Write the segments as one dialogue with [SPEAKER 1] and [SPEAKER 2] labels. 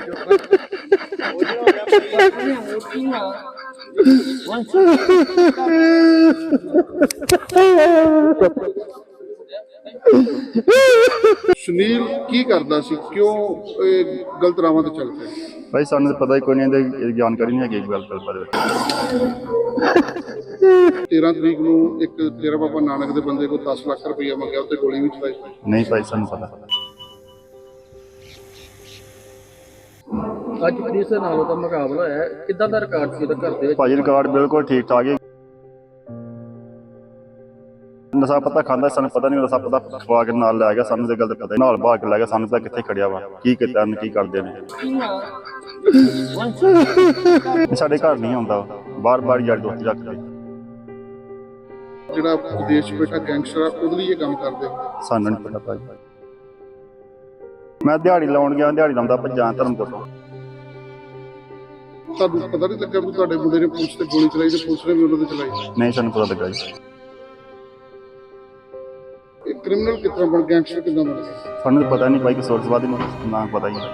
[SPEAKER 1] ਸੁਨੀਲ ਕੀ ਕਰਦਾ ਸੀ, ਕਿਉਂ ਇਹ ਗਲਤ ਰਾਵਾਂ ਤੇ ਚੱਲ ਪਿਆ?
[SPEAKER 2] ਭਾਈ ਸਾਨੂੰ ਪਤਾ ਹੀ ਕੋਈ ਨਹੀਂ, ਇਹਦੀ ਜਾਣਕਾਰੀ ਨਹੀਂ ਹੈਗੀ ਗੱਲ ਬਾਰੇ।
[SPEAKER 1] 13 ਤਰੀਕ ਨੂੰ ਇੱਕ ਡੇਰਾ ਬਾਬਾ ਨਾਨਕ ਦੇ ਬੰਦੇ ਕੋਲ 10 ਲੱਖ ਰੁਪਈਆ ਮੰਗਿਆ, ਉੱਤੇ ਗੋਲੀ ਵੀ ਚਲਾਈ।
[SPEAKER 2] ਨਹੀਂ ਭਾਈ ਸਾਨੂੰ ਪਤਾ।
[SPEAKER 3] ਅੱਜ ਪੁਲਿਸ ਨਾਲ ਉਹਦਾ ਮੁਕਾਬਲਾ ਹੈ, ਕਿੱਦਾਂ ਦਾ ਰਿਕਾਰਡ ਸੀ ਉਹਦਾ ਘਰ ਦੇ ਵਿੱਚ?
[SPEAKER 2] ਭਾਜੀ ਰਿਕਾਰਡ ਬਿਲਕੁਲ ਠੀਕ ਠਾਕ ਹੈ। ਨਸ਼ਾ ਪਤਾ ਖਾਂਦਾ, ਸਾਨੂੰ ਪਤਾ ਨਹੀਂ ਨਸ਼ਾ ਪਤਾ ਖਵਾ ਕੇ ਨਾਲ ਲੈ ਗਿਆ, ਸਾਨੂੰ ਤੇ ਗੱਲ ਪਤਾ ਨਹੀਂ, ਨਾਲ ਬਾਹਰ ਕੇ ਲੈ ਗਿਆ, ਸਾਨੂੰ ਤਾਂ ਕਿੱਥੇ ਖੜਿਆ ਵਾ, ਕੀ ਕੀਤਾ ਕੀ ਕਰਦੇ ਨੇ। ਸਾਡੇ ਘਰ ਨਹੀਂ ਆਉਂਦਾ, ਬਾਰ-ਬਾਰ ਯਾਰ ਦੋਸਤੀ ਰੱਖਦੇ।
[SPEAKER 1] ਜਿਹੜਾ ਵਿਦੇਸ਼ ਬੈਠਾ ਗੈਂਗਸਟਰ ਆ, ਉਹਦੇ ਲਈ ਇਹ ਕੰਮ ਕਰਦੇ।
[SPEAKER 2] ਸਾਨੂੰ ਨਹੀਂ ਪਤਾ ਭਾਜੀ। ਮੈਂ ਦਿਹਾੜੀ ਲਾਉਣ ਗਿਆ, ਦਿਹਾੜੀ ਲਾਉਂਦਾ ਭੱਜਾਂ ਧਰਮਕੋਟ ਤੋਂ।
[SPEAKER 1] ਤੁਹਾਨੂੰ ਪਤਾ ਨਹੀਂ ਲੱਗਾ ਵੀ ਤੁਹਾਡੇ ਮੁੰਡੇ ਨੇ ਪੁਲਿਸ ਤੇ ਗੋਲੀ ਚਲਾਈ ਤੇ ਪੁਲਿਸ ਨੇ ਵੀ ਉਹਨਾਂ ਤੇ ਚਲਾਈ?
[SPEAKER 2] ਨਹੀਂ ਸਾਨੂੰ ਪਤਾ ਲੱਗਾ ਜੀ।
[SPEAKER 1] ਇਹ ਕ੍ਰਿਮੀਨਲ ਕਿੱਦਾਂ ਬਣ, ਗੈਂਗਸਟਰ ਕਿੱਦਾਂ ਬਣ ਗਿਆ?
[SPEAKER 2] ਸਾਨੂੰ ਪਤਾ ਨਹੀਂ ਭਾਈ, ਸੋਰਸਵਾਦੀ ਨੂੰ ਨਾ ਪਤਾ ਜੀ।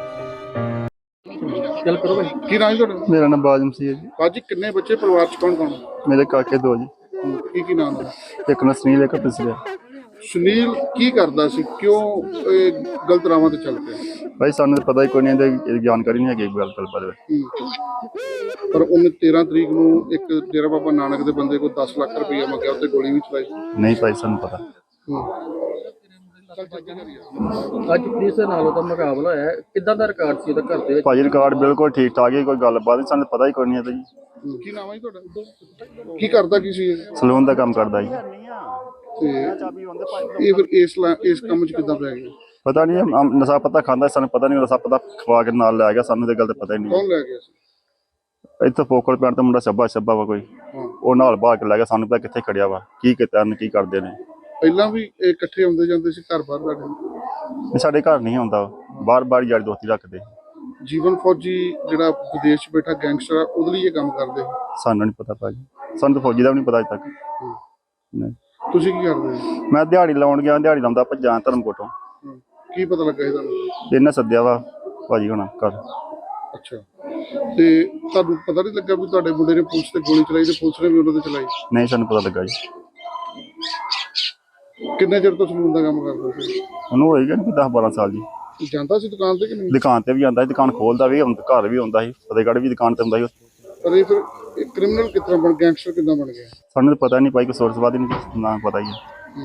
[SPEAKER 3] ਗੱਲ ਕਰੋ ਭਾਈ।
[SPEAKER 1] ਕੀ ਨਾਂ ਜੀ ਤੁਹਾਡਾ?
[SPEAKER 2] ਮੇਰਾ ਨਾਮ ਬਾਜਮ ਸੀ ਜੀ।
[SPEAKER 1] ਬਾਜੀ ਕਿੰਨੇ ਬੱਚੇ, ਪਰਿਵਾਰ ਚ ਕੌਣ ਕੌਣ?
[SPEAKER 2] ਮੇਰੇ ਕਾਕੇ ਦੋ ਜੀ।
[SPEAKER 1] ਕੀ ਨਾਮ ਹੈ?
[SPEAKER 2] ਇੱਕ ਨਾ ਸੁਨੀਲ, ਇੱਕ ਪਿਛਲੇ।
[SPEAKER 1] ਸੁਨੀਲ ਕੀ ਕਰਦਾ ਸੀ, ਕਿਉਂ ਇਹ ਗਲਤ ਰਾਵਾਂ ਤੇ ਚੱਲ ਪਿਆ?
[SPEAKER 2] ਭਾਈ ਸਾਨੂੰ ਪਤਾ ਹੀ ਕੋਈ ਨਹੀਂ, ਇਹਦੀ ਜਾਣਕਾਰੀ ਨਹੀਂ ਹੈਗੀ ਗੱਲ ਬਾਰੇ।
[SPEAKER 1] ਪਰ ਉਹਨੇ 13 ਤਰੀਕ ਨੂੰ ਇੱਕ ਡੇਰਾ ਬਾਬਾ ਨਾਨਕ ਦੇ ਬੰਦੇ ਕੋਲ 10 ਲੱਖ ਰੁਪਈਆ ਮੰਗਿਆ, ਉੱਤੇ ਗੋਲੀ ਵੀ ਚਲਾਈ।
[SPEAKER 2] ਨਹੀਂ ਭਾਈ ਸਾਨੂੰ ਪਤਾ।
[SPEAKER 3] ਅੱਜ ਪੁਲਿਸ ਨਾਲ ਉਹਦਾ ਮੁਕਾਬਲਾ ਹੈ, ਕਿੱਦਾਂ ਦਾ ਰਿਕਾਰਡ ਸੀ ਉਹਦਾ ਘਰ ਦੇ ਵਿੱਚ?
[SPEAKER 2] ਭਾਜੀ ਰਿਕਾਰਡ ਬਿਲਕੁਲ ਠੀਕ ਠਾਕ ਹੈ, ਕੋਈ ਗੱਲਬਾਤ ਨਹੀਂ, ਸਾਨੂੰ ਪਤਾ ਹੀ ਕੋਈ ਨਹੀਂ ਹੈ ਜੀ।
[SPEAKER 1] ਕੀ ਨਾਮ ਹੈ ਜੀ ਤੁਹਾਡਾ? ਕੀ ਕਰਦਾ ਕੀ ਸੀ ਇਹ?
[SPEAKER 2] ਸਲੂਨ ਦਾ ਕੰਮ ਕਰਦਾ ਜੀ।
[SPEAKER 1] ਤੇ ਇਹ ਫਿਰ ਇਸ ਕੰਮ 'ਚ ਕਿੱਦਾਂ ਪੈ ਗਿਆ?
[SPEAKER 2] ਪਤਾ ਨਹੀਂ, ਨਸ਼ਾ ਪਤਾ ਖਾਂਦਾ, ਸਾਨੂੰ ਪਤਾ ਨਹੀਂ, ਨਸ਼ਾ ਪਤਾ ਖਵਾ ਕੇ ਨਾਲ ਲੈ ਗਿਆ, ਸਾਨੂੰ ਤੇ ਗੱਲ ਤਾਂ ਪਤਾ ਹੀ ਨਹੀਂ।
[SPEAKER 1] ਕੌਣ ਲੈ ਗਿਆ ਸੀ?
[SPEAKER 2] ਇੱਥੇ ਫੋਕਲ ਪਿੰਡ ਤੋਂ ਮੁੰਡਾ ਛੱਬਾ ਵਾ ਕੋਈ, ਉਹ ਨਾਲ ਬਾਹਰ ਕੇ ਲੈ ਗਿਆ, ਸਾਨੂੰ ਪਤਾ ਕਿੱਥੇ ਖੜਿਆ ਵਾ, ਕੀ ਕੀਤਾ ਕੀ ਕਰਦੇ ਨੇ।
[SPEAKER 1] ਪਹਿਲਾਂ ਵੀ ਇਹ ਇਕੱਠੇ ਆਉਂਦੇ ਜਾਂਦੇ ਸੀ ਘਰ ਬਾਹਰ ਤੁਹਾਡੇ?
[SPEAKER 2] ਸਾਡੇ ਘਰ ਨਹੀਂ ਆਉਂਦਾ, ਬਾਰ-ਬਾਰ ਯਾਰ ਦੋਸਤੀ ਰੱਖਦੇ।
[SPEAKER 1] ਜੀਵਨ ਫੌਜੀ ਜਿਹੜਾ ਵਿਦੇਸ਼ 'ਚ ਬੈਠਾ ਗੈਂਗਸਟਰ ਆ, ਉਹਦੇ ਲਈ ਇਹ ਕੰਮ ਕਰਦੇ।
[SPEAKER 2] ਸਾਨੂੰ ਨਹੀਂ ਪਤਾ ਭਾਜੀ, ਸਾਨੂੰ ਤਾਂ ਫੌਜੀ ਦਾ ਵੀ ਨਹੀਂ ਪਤਾ ਅਜੇ ਤੱਕ। ਨਹੀਂ।
[SPEAKER 1] ਤੁਸੀਂ ਕੀ ਕਰਦੇ?
[SPEAKER 2] ਮੈਂ ਦਿਹਾੜੀ ਲਾਉਣ ਗਿਆ, ਦਿਹਾੜੀ ਲਾਉਂਦਾ ਭੱਜਾਂ ਧਰਮਕੋਟ ਤੋਂ।
[SPEAKER 1] ਕੀ ਪਤਾ ਲੱਗਾ ਇਹ ਤੁਹਾਨੂੰ?
[SPEAKER 2] ਇਹਨੇ ਸੱਦਿਆ ਵਾ ਭਾਜੀ ਹੁਣ ਘਰ।
[SPEAKER 1] ਅੱਛਾ, ਤੇ ਤੁਹਾਨੂੰ ਪਤਾ ਨਹੀਂ ਲੱਗਾ ਵੀ ਤੁਹਾਡੇ ਮੁੰਡੇ ਨੇ ਪੁਲਿਸ ਤੇ ਗੋਲੀ ਚਲਾਈ ਤੇ ਪੁਲਿਸ ਨੇ ਵੀ ਉਹਨਾਂ ਤੇ ਚਲਾਈ?
[SPEAKER 2] ਨਹੀਂ ਸਾਨੂੰ ਪਤਾ ਲੱਗਾ ਜੀ।
[SPEAKER 1] ਕਿੰਨੇ ਚਿਰ ਤੋਂ ਸਲੂਨ ਦਾ ਕੰਮ ਕਰਦਾ ਸੀ?
[SPEAKER 2] ਉਹਨੂੰ ਹੋਏਗਾ 10-12 ਸਾਲ ਜੀ।
[SPEAKER 1] ਜਾਂਦਾ ਸੀ ਦੁਕਾਨ ਤੇ ਕਿ ਨਹੀਂ?
[SPEAKER 2] ਦੁਕਾਨ ਤੇ ਵੀ ਆਉਂਦਾ ਸੀ, ਦੁਕਾਨ ਖੋਲਦਾ ਵੀ, ਘਰ ਵੀ ਆਉਂਦਾ ਸੀ, ਫਤਿਹਗੜ੍ਹ ਵੀ ਦੁਕਾਨ ਤੇ ਹੁੰਦਾ ਸੀ।
[SPEAKER 1] ਪਰ ਇਹ ਫਿਰ ਕ੍ਰਿਮੀਨਲ ਕਿੱਦਾਂ ਬਣ, ਗੈਂਗਸਟਰ ਕਿੱਦਾਂ ਬਣ ਗਿਆ?
[SPEAKER 2] ਸਾਨੂੰ ਤਾਂ ਪਤਾ ਨਹੀਂ ਭਾਈ, ਕੋਈ ਸੋਰਸਵਾਦੀ ਨੂੰ ਨਾ ਪਤਾ ਹੀ ਹੈ।